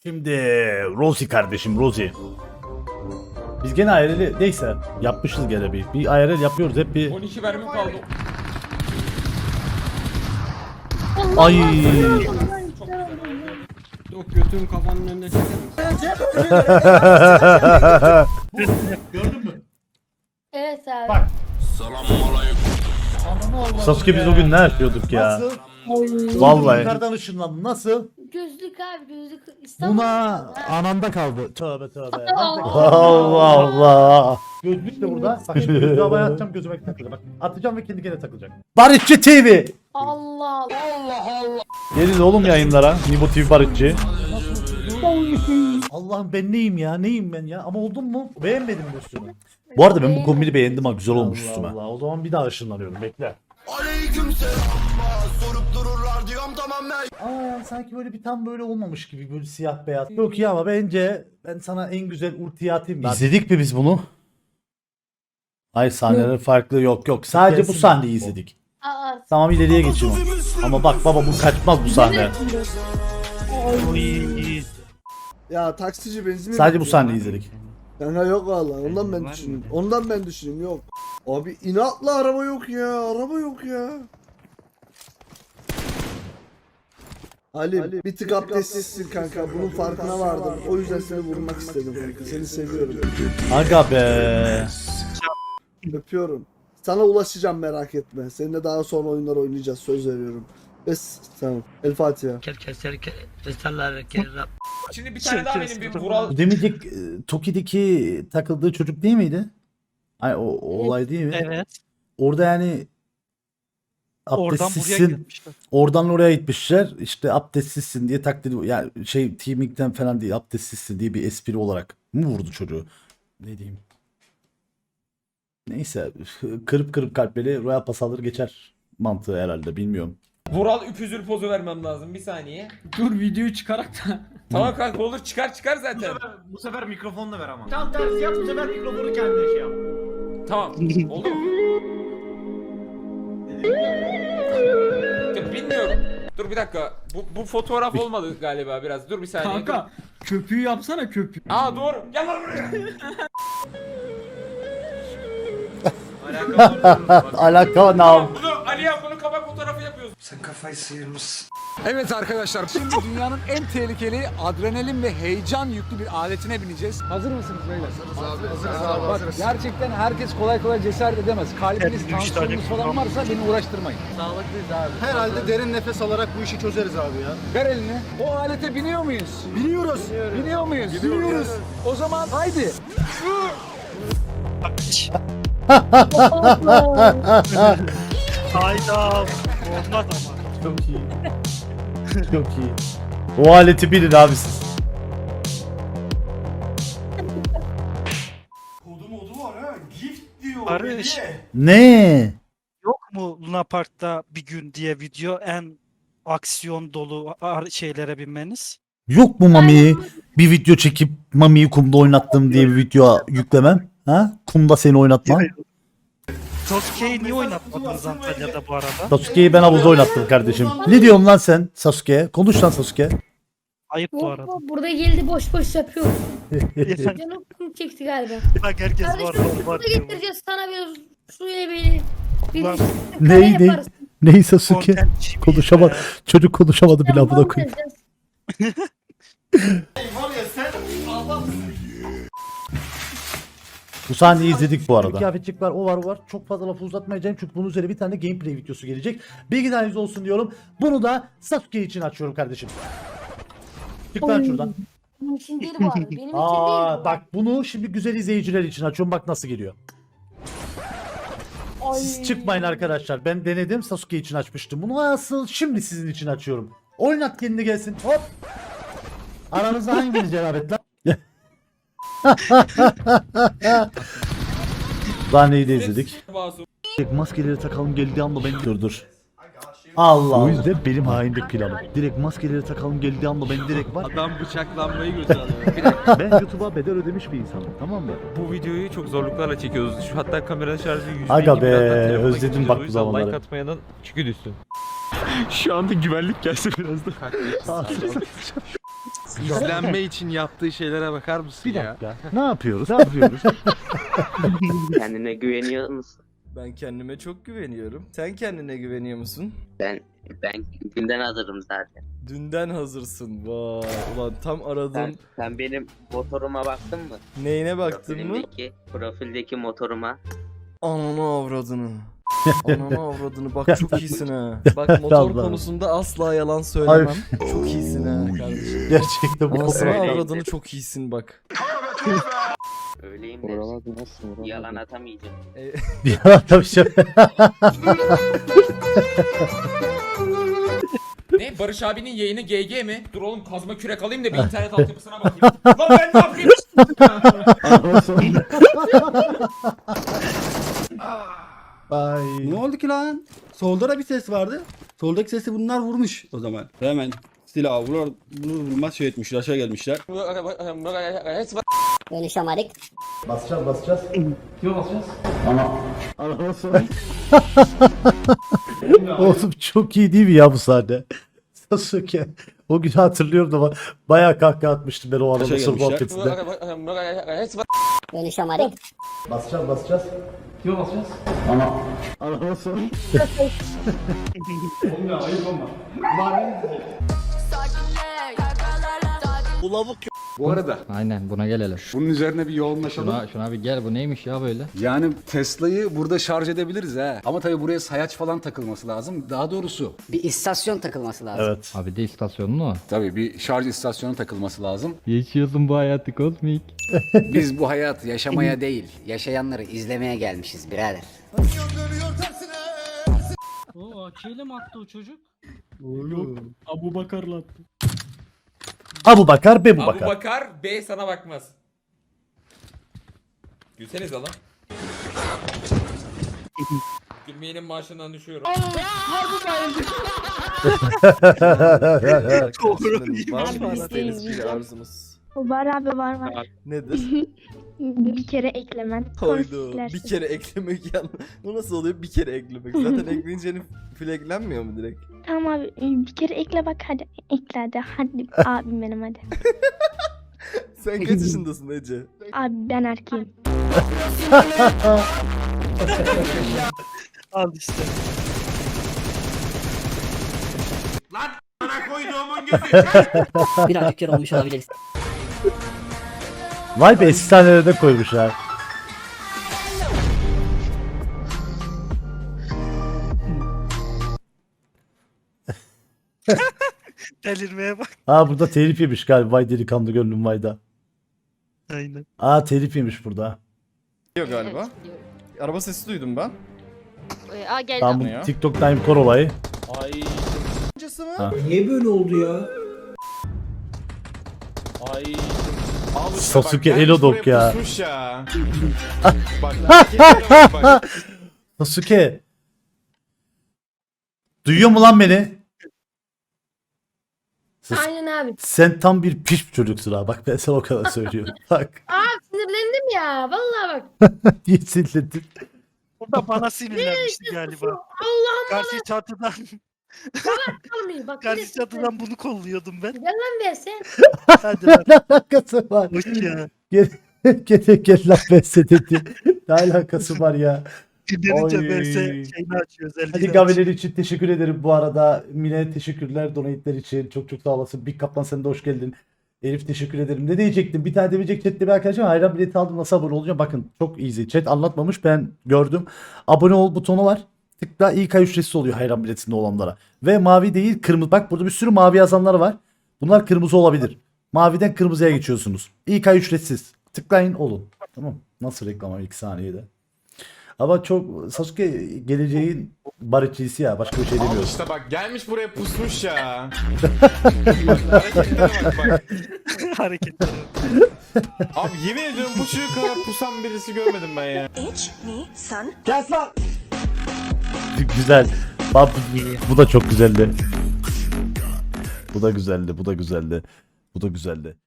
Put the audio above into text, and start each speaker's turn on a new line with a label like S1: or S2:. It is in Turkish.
S1: Şimdi Rosie kardeşim Rosie. Biz gene IRL neyse yapmışız gene bir IRL yapıyoruz hep bir.
S2: 12 mermi kaldı.
S1: Ay.
S3: Yok götüm kafanın önünde çeker.
S1: Gördün mü?
S4: Evet abi.
S1: Bak. Sasuke biz bugün ne yapıyorduk ya?
S5: Nasıl?
S1: Vallahi.
S5: Yukarıdan ışınlandı. Nasıl?
S4: Gözlük abi gözlük. İstanbul.
S5: Buna ananda kaldı. Tövbe tövbe.
S1: Allah Allah.
S5: Gözlük de burada. Bak şimdi gözlüğü havaya atacağım gözüme takılacak. Bak atacağım ve kendi kendine takılacak.
S1: Barışçı TV.
S4: Allah Allah.
S1: Gelin oğlum yayınlara. Nibo TV Barışçı.
S5: Allah'ım ben neyim ya? Neyim ben ya? Ama oldum mu? Beğenmedim bu üstümü.
S1: Bu arada ben bu kombini beğendim ha, güzel olmuş
S5: Allah
S1: üstüme.
S5: Allah. O zaman bir daha ışınlanıyorum. Bekle.
S6: Sorup dururlar diyorum tamam ben.
S5: Ama yani sanki böyle bir tam böyle olmamış gibi böyle siyah beyaz. Çok iyi ama bence ben sana en güzel ultiyi atayım. da.
S1: İzledik mi biz bunu? Hayır sahneler farklı yok. Sadece bu
S5: Gelsin.
S1: sahneyi izledik.
S4: Aa.
S1: Tamam ileriye geçiyorum. Ama bak baba bu kaçmaz bu sahne.
S6: Ya taksici benzin mi?
S1: Sadece bu sahneyi izledik.
S6: Kanka yok vallahi ondan ben düşünüyorum. Ondan ben düşünüyorum yok. Abi inatla araba yok ya. Araba yok ya. Ali bir tık abdestsizsin kanka. Bunun farkına vardım. O yüzden seni vurmak istedim kanka. Seni seviyorum.
S1: Aga be.
S6: Öpüyorum. Sana ulaşacağım merak etme. Seninle daha sonra oyunlar oynayacağız. Söz veriyorum. Tamam. El Fatiha.
S2: Şimdi bir tane daha benim bir Vural.
S1: Bu demeyecek Toki'deki takıldığı çocuk değil miydi? Ay o olay değil mi?
S7: Evet.
S1: Orada yani
S7: Oradan buraya
S1: abdestsizsin.
S7: gitmişler.
S1: Oradan oraya gitmişler. İşte abdestsizsin diye taklit yani şey teaming'den falan değil abdestsizsin diye bir espri olarak mı vurdu çocuğu? Ne diyeyim? Neyse kırıp kalpleri Royal Pass alır geçer mantığı herhalde bilmiyorum.
S2: Vural üpüzül pozu vermem lazım bir saniye.
S3: Dur videoyu çıkarak da.
S2: Tamam kanka olur çıkar zaten.
S8: Bu sefer mikrofonla ver ama. Tam tersi yap, bu sefer mikrofonu kendine şey yap.
S2: Tamam. Oldu mu? Ya bilmiyorum. Dur bir dakika. Bu fotoğraf olmadı galiba biraz. Dur bir saniye.
S3: Kanka köpüğü yapsana köpüğü.
S2: Dur. Aa doğru. Gel lan buraya.
S1: Alaka nam.
S2: Bunu Ali'ye bunu kapak fotoğrafı yapıyoruz.
S9: Evet arkadaşlar, şimdi dünyanın en tehlikeli adrenalin ve heyecan yüklü bir aletine bineceğiz. Hazır mısınız beyler? Hazırız abi. Bak, gerçekten herkes kolay kolay cesaret edemez. Kalbiniz, tansiyonunuz falan varsa beni uğraştırmayın. Sağlıklıyız abi.
S6: Herhalde derin nefes alarak bu işi çözeriz abi ya.
S9: Ver elini. O alete biniyor muyuz?
S6: Biliyoruz.
S9: Biniyor muyuz? Biniyoruz. O zaman haydi.
S7: Hayda. Olmaz ama.
S1: Çok iyi. Çok iyi. O aleti bilin abi siz.
S8: Kodu var ha. Gift diyor.
S7: Barış.
S1: Ne?
S7: Yok mu Luna Park'ta bir gün diye video en aksiyon dolu şeylere binmeniz?
S1: Yok mu Mami'yi bir video çekip Mami'yi kumda oynattım diye bir video yüklemem? Ha? Kumda seni oynatmam.
S7: Sasuke'yi niye oynatmadınız Antalya'da bu arada?
S1: Sasuke'yi ben havuzda oynattım kardeşim. Ne diyorsun lan sen Sasuke'ye? Konuş lan Sasuke.
S7: Ayıp bu arada.
S4: Burada geldi boş yapıyor. Canım kum çekti galiba.
S7: Bak herkes var
S4: Kardeşim
S7: var
S4: burada
S7: diyor.
S4: getireceğiz sana bir suyla beni. Bir
S7: Ulan,
S4: kare
S1: Ney?
S4: yaparız.
S1: Ney Sasuke?
S7: Contentçi
S1: Konuşamadı.
S7: miyiz
S1: Çocuk konuşamadı bile
S4: Tamam,
S1: amına koyayım.
S4: vereceğiz.
S8: Var ya sen Allah
S1: Bu sahneyi izledik bu arada.
S5: Kıyafetçik var, o var. Çok fazla lafı uzatmayacağım çünkü bunun üzerine bir tane gameplay videosu gelecek. Bilgileriniz olsun diyorum. Bunu da Sasuke için açıyorum kardeşim. Çık lan şuradan.
S4: Benim için değil bu arada. Benim için değil.
S5: Aa
S4: bu.
S5: bak bunu şimdi güzel izleyiciler için açıyorum. Bak nasıl geliyor.
S4: Ay.
S5: Siz çıkmayın arkadaşlar. Ben denedim, Sasuke için açmıştım. Bunu asıl şimdi sizin için açıyorum. Oynat kendini gelsin. Hop. Aranızda hanginiz cenabet lan?
S1: Sahneyi de izledik.
S2: Masum.
S1: Direkt maskeleri takalım geldiği anda ben dur. Allah. O yüzden benim hainlik planım. Direkt maskeleri takalım geldiği anda ben direkt var.
S3: Adam bıçaklanmayı götürdü.
S1: Ben YouTube'a bedel ödemiş bir insanım tamam mı?
S10: Bu videoyu çok zorluklarla çekiyoruz. Şu hatta kamera şarjı 100
S1: Aga
S10: gibi,
S1: be,
S10: birazdan telefona
S1: özledim
S10: geçeceğiz.
S1: bak
S10: O
S1: bu
S10: yüzden
S1: zamanları.
S10: Like atmayanın çükü düşsün. Şu anda güvenlik gelse biraz da.
S3: İzlenme için yaptığı şeylere bakar mısın
S5: Bir dakika. Ne yapıyoruz?
S11: Kendine güveniyor musun?
S3: Ben kendime çok güveniyorum. Sen kendine güveniyor musun?
S11: Ben günden hazırım zaten.
S3: Dünden hazırsın. Vay ulan tam aradığım
S11: Sen benim motoruma baktın mı?
S3: neyine baktın mı?
S11: Profildeki motoruma.
S3: Ananı avradını. Ananı avradını bak çok iyisin ha. Bak motor
S5: Allah.
S3: konusunda asla yalan söylemem. Çok iyisin ha kardeşim.
S5: Gerçekten bu
S3: Anasını
S11: Öyleydi.
S3: avradını çok iyisin bak.
S11: Öyleyim de yalan atamayacağım.
S5: Ya tabii şey.
S2: Ne? Barış abinin yayını GG mi? Dur oğlum kazma kürek alayım da bir internet altyapısına bakayım. Lan ben ne yapayım?
S5: Ay.
S8: Ne oldu ki lan? Solda da bir ses vardı. Soldaki sesi bunlar vurmuş o zaman. Hemen silahı vurur, bunu vurmaz şey etmişler, aşağı gelmişler.
S4: Dönüşemedik.
S5: Basacağız. Oğlum çok iyi değil mi ya bu sahne? Sasuke. O günü hatırlıyorum da bayağı kahkaha atmıştım ben o arada
S8: Aşağı
S5: sırf
S8: gelmişler.
S5: muhabbetinde.
S4: Dönüşemedik.
S5: Basacağız.
S9: Bu arada
S10: Aynen buna gelelim.
S9: bunun üzerine bir yoğunlaşalım.
S10: Şuna bir gel, bu neymiş ya böyle?
S9: Yani Tesla'yı burada şarj edebiliriz ha. Ama tabii buraya sayaç falan takılması lazım. Daha doğrusu
S11: Bir istasyon takılması lazım.
S5: Evet.
S10: Abi de istasyonu mu?
S9: tabii bir şarj istasyonu takılması lazım.
S10: Yaşıyorsun bu hayatı kozmik.
S11: Biz bu hayatı yaşamaya değil, yaşayanları izlemeye gelmişiz birader.
S3: O AK'yle mi attı o çocuk? Yok. Abu Bakar'la attı.
S5: Abu Bakar, Bebu
S2: Abu
S5: Bakar.
S2: Bakar B sana bakmaz. Gülseniz lan. Gülmeyenin maaşından düşüyorum.
S3: Var mı Anadeniz bir arzunuz?
S4: Var abi var.
S3: Nedir?
S4: Bir kere eklemen.
S3: Haydo. Bir kere eklemek yan. Bu nasıl oluyor? Bir kere eklemek. Zaten ekleyince flaglenmiyor mu direkt?
S4: Tamam abi bir kere ekle bak hadi. Ekle hadi abim benim hadi.
S3: Sen kaç yaşındasın Ece?
S4: Abi ben erkeğim.
S7: Al işte.
S11: Birazcık kere olmuş olabiliriz.
S5: Vay be efsanelerde koymuşlar.
S7: Delirmeye bak.
S5: Aa burada telif yemiş galiba. Vay delikanlı gönlüm vayda.
S7: Aynen.
S5: Aa telif yemiş burada.
S3: Yok galiba. Araba sesi duydum ben.
S4: Aa geldi.
S5: Tam bu TikTok Time Core olayı.
S3: Ay. Öncesi mi?
S5: Ha.
S8: Niye böyle oldu ya?
S3: Ay.
S5: Sasuke Elodok ya. Sasuke. Duyuyor mu lan beni?
S4: Aynen abi.
S5: Sen tam bir piş bir çocuksun ha. Bak ben sana o kadar söylüyorum. Bak.
S4: Sinirlendim ya. Vallahi bak.
S5: Niye sinirlendin?
S7: O da bana sinirlenmişti galiba.
S4: Allah'ım
S7: Karşı çatıdan,
S4: kalmayayım. Bak.
S7: karşı çatıdan bunu kolluyordum ben.
S4: Gel lan be sen.
S7: Hadi lan.
S5: Ne alakası var?
S7: Hoş ya.
S5: Gel lan ben size dedi. Ne alakası var ya?
S7: Dinlenince
S5: Oy.
S7: ben şeyini açıyor.
S5: Hadi
S7: özelliğini
S5: gaveler için teşekkür ederim bu arada. Mine teşekkürler donate'ler için. Çok sağ olasın. Big Kaplan sen de hoş geldin. Elif teşekkür ederim. Ne diyecektim? Bir tane demeyecek chatte bir arkadaşım. Hayran bileti aldım. Nasıl abone olacağım? Bakın çok easy. Chat anlatmamış. Ben gördüm. Abone ol butonu var. Tıkla İK ücretsiz oluyor hayran biletinde olanlara. Ve mavi değil kırmızı. Bak burada bir sürü mavi yazanlar var. Bunlar kırmızı olabilir. Maviden kırmızıya geçiyorsunuz. İK ücretsiz. Tıklayın olun. Tamam. Nasıl reklama 2 saniyede. Ama çok Sasuke geleceğin barışçısı ya. Başka bir şey demiyorum.
S3: İşte bak gelmiş buraya pusmuş ya.
S7: hareketleri.
S3: Abi yemin ediyorum bu çocuk kadar pusan birisi görmedim ben ya.
S5: Güzel. Bak, bu da çok güzeldi. Bu da güzeldi.